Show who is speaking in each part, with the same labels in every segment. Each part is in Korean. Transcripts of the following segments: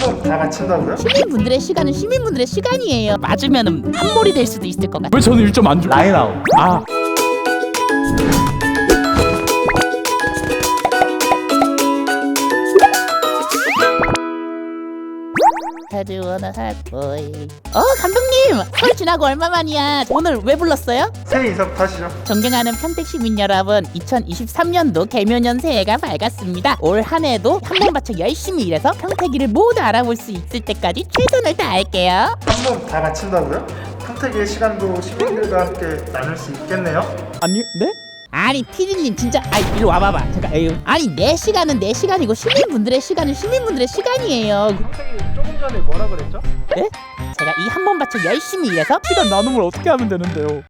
Speaker 1: 번 다 맞춘다고요?
Speaker 2: 시민분들의 시간은 시민분들의 시간이에요. 맞으면 한몰이 될 수도 있을 것 같아요.
Speaker 3: 왜 저는 1점 안 줘?
Speaker 4: 라인 아웃.
Speaker 3: 아,
Speaker 2: 가져오나 핫보이. 감독님, 설 지나고 얼마 만이야. 오늘 왜 불렀어요?
Speaker 1: 새해 인사부터 하시죠.
Speaker 2: 존경하는 평택 시민 여러분, 2023년도 개묘년 새해가 밝았습니다. 올 한 해도 한 번 바쳐 열심히 일해서 평택이를 모두 알아볼 수 있을 때까지 최선을 다할게요.
Speaker 1: 한 번 다 맞춘다고요? 평택의 시간도 시민들과 함께 나눌 수 있겠네요.
Speaker 3: 아니, 네?
Speaker 2: 아니 피디님 진짜 이리 와봐봐. 잠깐. 에휴. 아니 내 시간은 내 시간이고 시민분들의 시간은 시민분들의 시간이에요.
Speaker 1: 평택이 조금 전에 뭐라 그랬죠?
Speaker 2: 네? 제가 이 한 번 바쳐 열심히 일해서
Speaker 3: 시간 나눔을 어떻게 하면 되는데요?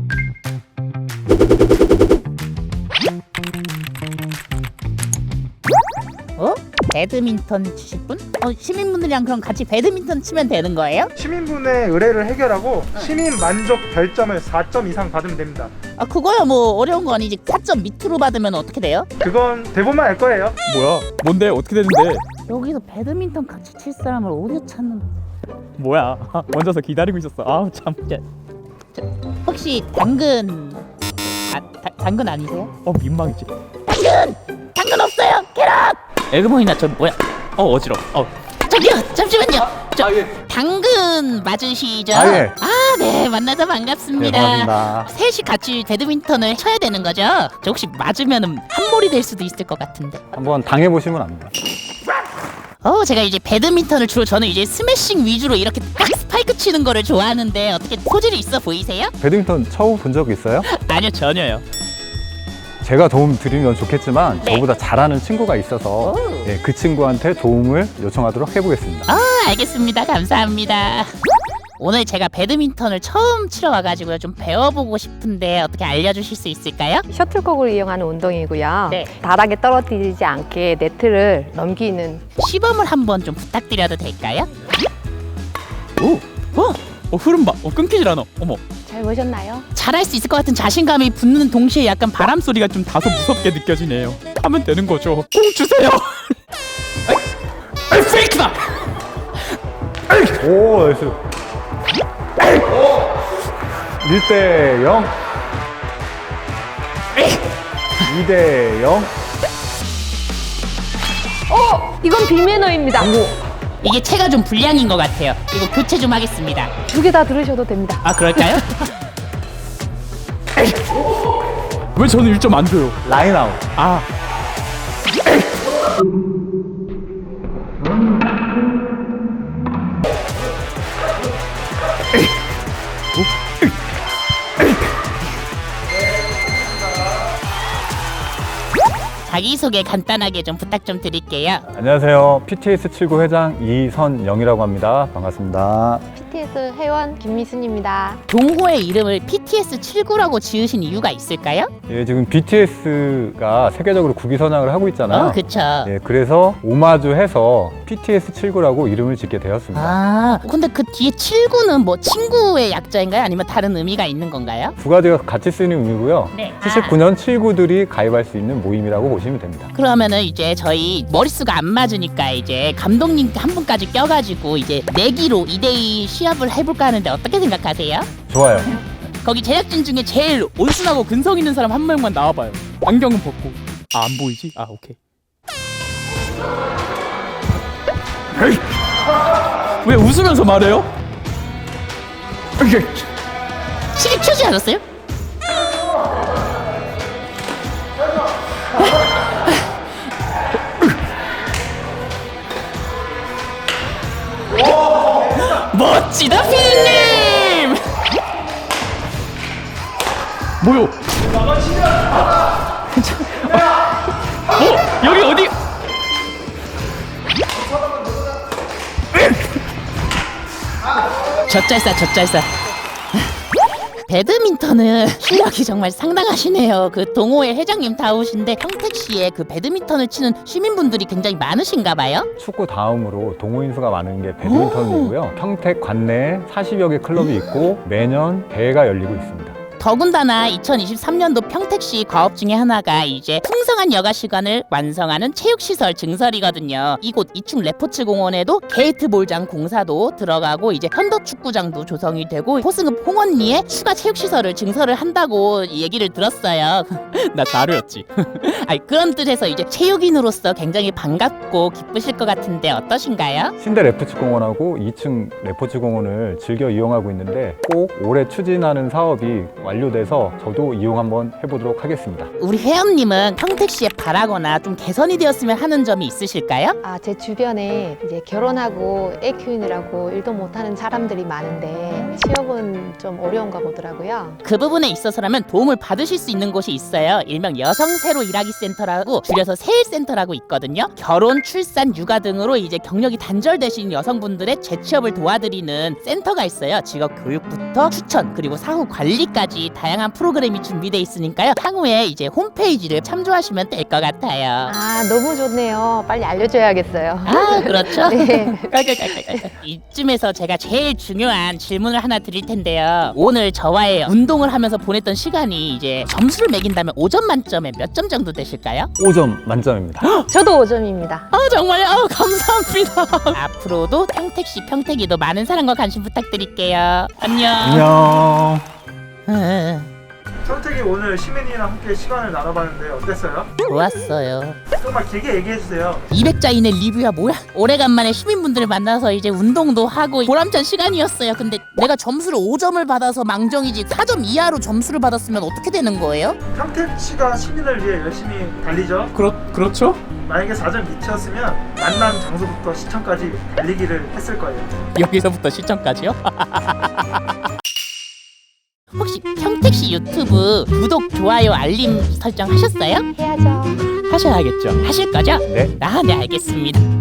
Speaker 2: 배드민턴 치실 분? 시민분들이랑 그럼 같이 배드민턴 치면 되는 거예요?
Speaker 1: 시민분의 의뢰를 해결하고 시민 만족 별점을 4점 이상 받으면 됩니다.
Speaker 2: 그거야 뭐 어려운 거 아니지. 4점 밑으로 받으면 어떻게 돼요?
Speaker 1: 그건 대본만 알 거예요.
Speaker 3: 뭐야? 뭔데? 어떻게 되는데?
Speaker 2: 여기서 배드민턴 같이 칠 사람을 어디서 찾는
Speaker 3: 뭐야? 앉아서 기다리고 있었어. 아우 참.
Speaker 2: 혹시 당근 당근 아니세요?
Speaker 3: 민망이지.
Speaker 2: 당근 없어요. 캐럿. 에그머니나 저 뭐야?
Speaker 3: 어지러워.
Speaker 2: 저기요 잠시만요.
Speaker 4: 예.
Speaker 2: 당근 맞으시죠?
Speaker 4: 예.
Speaker 2: 네 만나서 반갑습니다.
Speaker 4: 네, 반갑습니다.
Speaker 2: 셋이 같이 배드민턴을 쳐야 되는 거죠? 저 혹시 맞으면 한몰이 될 수도 있을 것 같은데.
Speaker 4: 한번 당해보시면 압니다.
Speaker 2: 제가 이제 배드민턴을 주로 저는 이제 스매싱 위주로 이렇게 딱 스파이크 치는 거를 좋아하는데 어떻게 소질이 있어 보이세요?
Speaker 4: 배드민턴 처음 본 적 있어요?
Speaker 3: 아니요 전혀요.
Speaker 4: 제가 도움 드리면 좋겠지만
Speaker 2: 네.
Speaker 4: 저보다 잘하는 친구가 있어서 그 친구한테 도움을 요청하도록 해보겠습니다.
Speaker 2: 알겠습니다. 감사합니다. 오늘 제가 배드민턴을 처음 치러 와가지고요. 좀 배워보고 싶은데 어떻게 알려주실 수 있을까요?
Speaker 5: 셔틀콕을 이용하는 운동이고요.
Speaker 2: 네.
Speaker 5: 바닥에 떨어뜨리지 않게 네트를 넘기는.
Speaker 2: 시범을 한번 좀 부탁드려도 될까요?
Speaker 3: 흐름 봐. 끊기질 않아. 어머.
Speaker 5: 잘 보셨나요?
Speaker 2: 잘할 수 있을 것 같은 자신감이 붙는 동시에 약간
Speaker 3: 바람 소리가 좀 다소 무섭게 느껴지네요. 하면 되는 거죠. 공 주세요. 페이크다.
Speaker 4: 오, 나이스. 1대0 2대0
Speaker 5: 이건 비매너입니다.
Speaker 2: 이게 체가 좀 불량인 것 같아요. 이거 교체 좀 하겠습니다.
Speaker 5: 2개 다 들으셔도 됩니다.
Speaker 2: 그럴까요?
Speaker 3: 왜 저는 1점 안 줘요?
Speaker 4: 라인 아웃.
Speaker 3: 아,
Speaker 2: 자기소개 간단하게 좀 부탁 좀 드릴게요.
Speaker 4: 안녕하세요. PTS 79 회장 이선영이라고 합니다. 반갑습니다.
Speaker 5: PTS 회원 김미순입니다.
Speaker 2: 동호회 이름을 PTS79라고 지으신 이유가 있을까요?
Speaker 4: 예, 지금 BTS가 세계적으로 국위 선양을 하고 있잖아요.
Speaker 2: 그쵸.
Speaker 4: 예, 그래서 오마주해서 PTS 79라고 이름을 짓게 되었습니다.
Speaker 2: 근데 그 뒤에 79는 뭐 친구의 약자인가요? 아니면 다른 의미가 있는 건가요?
Speaker 4: 두 가지가 같이 쓰이는 의미고요.
Speaker 2: 네.
Speaker 4: 79년 79들이 가입할 수 있는 모임이라고 보시면 됩니다.
Speaker 2: 그러면은 이제 저희 머릿수가 안 맞으니까 이제 감독님 한 분까지 껴가지고 이제 내기로 2대2 시합을 해볼까 하는데 어떻게 생각하세요?
Speaker 4: 좋아요.
Speaker 2: 거기 제작진 중에 제일
Speaker 3: 온순하고 근성 있는 사람 한 명만 나와봐요. 안경은 벗고. 안 보이지? 오케이. 에이! 왜 웃으면서 말해요?
Speaker 2: 시계 켜지 않았어요? 멋지다 피디님!
Speaker 3: 뭐요? 여기 어디?
Speaker 2: 젖잘싸. 배드민턴은 실력이 정말 상당하시네요. 그 동호회 회장님 다우신데 평택시에 그 배드민턴을 치는 시민분들이 굉장히 많으신가 봐요.
Speaker 4: 축구 다음으로 동호인 수가 많은 게 배드민턴이고요. 평택 관내에 40여 개 클럽이 있고 매년 대회가 열리고 있습니다.
Speaker 2: 더군다나 2023년도 평택시 과업 중에 하나가 이제 풍성한 여가 시간을 완성하는 체육시설 증설이거든요. 이곳 2층 레포츠 공원에도 게이트볼장 공사도 들어가고 이제 현도축구장도 조성이 되고 호승읍 홍원리에 추가 체육시설을 증설을 한다고 얘기를 들었어요.
Speaker 3: 나 자료였지.
Speaker 2: 아니, 그런 뜻에서 이제 체육인으로서 굉장히 반갑고 기쁘실 것 같은데 어떠신가요?
Speaker 4: 신대 레포츠 공원하고 2층 레포츠 공원을 즐겨 이용하고 있는데 꼭 올해 추진하는 사업이 완료돼서 저도 이용 한번 해보도록 하겠습니다.
Speaker 2: 우리 회원님은 평택시에 바라거나 좀 개선이 되었으면 하는 점이 있으실까요?
Speaker 5: 제 주변에 이제 결혼하고 애 키우느라고 일도 못하는 사람들이 많은데 취업은 좀 어려운가 보더라고요.
Speaker 2: 그 부분에 있어서라면 도움을 받으실 수 있는 곳이 있어요. 일명 여성 새로 일하기 센터라고 줄여서 세일센터라고 있거든요. 결혼, 출산, 육아 등으로 이제 경력이 단절되신 여성분들의 재취업을 도와드리는 센터가 있어요. 직업 교육부터 추천 그리고 사후 관리까지 다양한 프로그램이 준비돼 있으니까요. 향후에 이제 홈페이지를 참조하시면 될 것 같아요.
Speaker 5: 너무 좋네요. 빨리 알려줘야겠어요.
Speaker 2: 아, 그렇죠.
Speaker 5: 네.
Speaker 2: 깔깔깔깔깔. 이쯤에서 제가 제일 중요한 질문을 하나 드릴 텐데요. 오늘 저와의 운동을 하면서 보냈던 시간이 이제 점수를 매긴다면 5점 만점에 몇 점 정도 되실까요?
Speaker 4: 5점 만점입니다.
Speaker 5: 저도 5점입니다.
Speaker 2: 아, 정말요? 감사합니다. 앞으로도 평택시 평택이도 많은 사랑과 관심 부탁드릴게요. 안녕.
Speaker 4: 안녕.
Speaker 1: 평택이 오늘 시민이랑 함께 시간을 나눠봤는데 어땠어요?
Speaker 2: 좋았어요.
Speaker 1: 정말 길게 얘기해주세요.
Speaker 2: 200자 이내 리뷰야 뭐야? 오래간만에 시민분들을 만나서 이제 운동도 하고 보람찬 시간이었어요. 근데 내가 점수를 5점을 받아서 망정이지 4점 이하로 점수를 받았으면 어떻게 되는 거예요?
Speaker 1: 평택시가 시민을 위해 열심히 달리죠.
Speaker 3: 그렇죠?
Speaker 1: 만약에 4점 밑이었으면 만남 장소부터 시청까지 달리기를 했을 거예요.
Speaker 3: 여기서부터 시청까지요?
Speaker 2: 혹시 평택시 유튜브 구독, 좋아요, 알림 설정 하셨어요?
Speaker 5: 해야죠.
Speaker 3: 하셔야겠죠.
Speaker 2: 하실 거죠?
Speaker 4: 네.
Speaker 2: 네, 알겠습니다.